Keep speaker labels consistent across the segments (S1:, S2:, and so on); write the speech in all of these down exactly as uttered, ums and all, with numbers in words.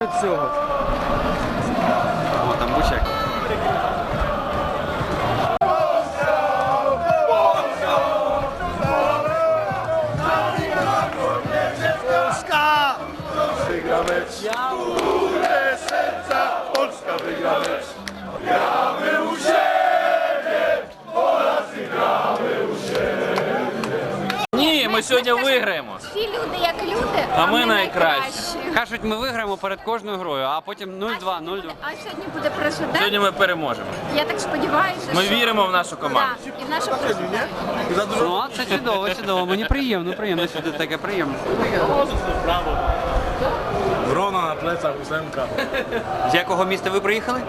S1: Цього.
S2: О, там бучак.
S3: Polska wygra mecz. Które serca Polska wygra mecz. Gramy u siebie, Polacy gramy u siebie.
S1: Ні, ми сьогодні виграємо.
S4: Всі люди як люди,
S1: А ми найкращі.
S2: Кажуть, ми виграємо перед кожною грою, а потім нуль-два, нуль-два.
S4: А сьогодні буде президент.
S1: Сьогодні ми переможемо.
S4: Я так сподіваюся,
S1: Ми
S4: що...
S1: віримо в нашу команду.
S4: Так, і в нашу президента.
S2: Ну, це чудово, чудово. Мені приємно, приємно, що ти таке приємно.
S3: Wrona na plecach, ósemka.
S2: З якого міста ви приїхали?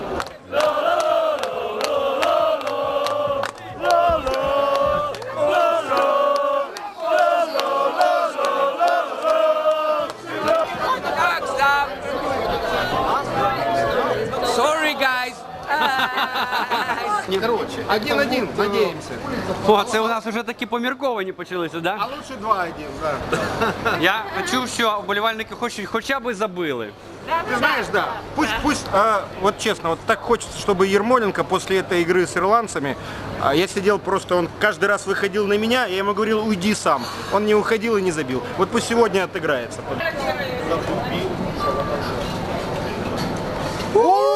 S2: Sorry, guys.
S5: Короче, один-один, надеемся.
S2: О, це у нас вже такі помірковані почалися, да?
S5: А лучше два-один, да.
S2: Я чув, що вболівальники хочуть хоча б забили.
S5: Ты знаешь, да. Пусть, пусть, а, вот честно, вот так хочется, чтобы Ермоленко после этой игры с ирландцами, а, я сидел просто, он каждый раз выходил на меня, я ему говорил, уйди сам. Он не уходил и не забил. Вот пусть сегодня отыграется. О!